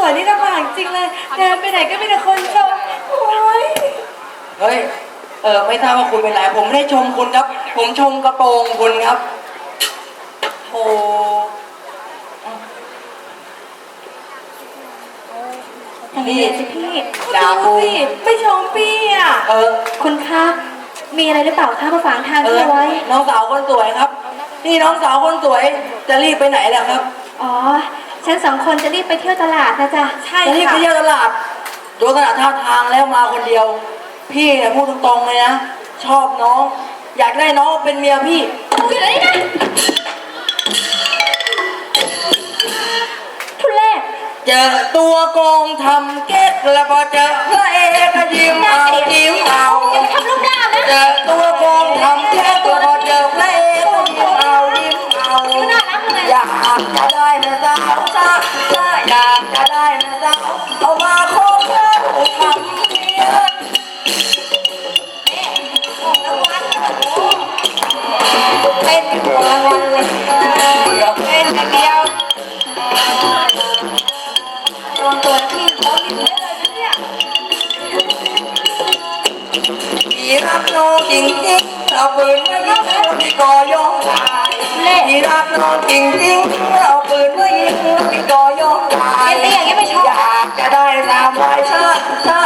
วยนี่ลำบากจริงเลยเดินไปไหนก็มีแต่คนชมโอ้ยเฮ้ยไม่ทราบว่าคุณเป็นไรผมไม่ได้ชมคุณครับผมชมกระโปรงคุณครับโอ้นี่สิพี่ดูสิไม่ชมพี่อ่ะคุณคะมีอะไรหรือเปล่าคะมาฝากทางเอาไว้น้องสาวคนสวยครับนี่น้องสาวคนสวยจะรีบไปไหนล่ะครับอ๋อฉัน2 คนจะรีบไปเที่ยวตลาดนะจ๊ะใช่จะรีบไปเที่ยวตลาดดูขนาดท่าทางแล้วมาคนเดียวพี่เนี่ยพูดตรงๆเลยนะชอบน้องอยากได้น้องเป็นเมียพี่อยู่ไหนนะทุเรศเจอตัวโกงทำเก๊กแล้วพอเจอพระเอกก็ยิ้มเอายิ้มเอาทำลูกดาวนะเจอตัวโกงทำเก๊กแล้วพอเจอพระเอกก็ยิ้มเอายิ้มเอาอยากจะได้แม่สาวจ้าอยากจะได้แม่สาวเอามาโค้งเธอทำเมียเป็นหัววันเลยเดี๋ยวเป็นอย่างเดียวตัวพี่เขาดีเลยนะเนี่ยพี่รักน้องจริงๆเอาปืนมายิงพี่ก็ยอมตายพี่รักน้องจริงๆเอาปืนมายิงพี่ก็ยอมตายอยากจะได้3 ใบชา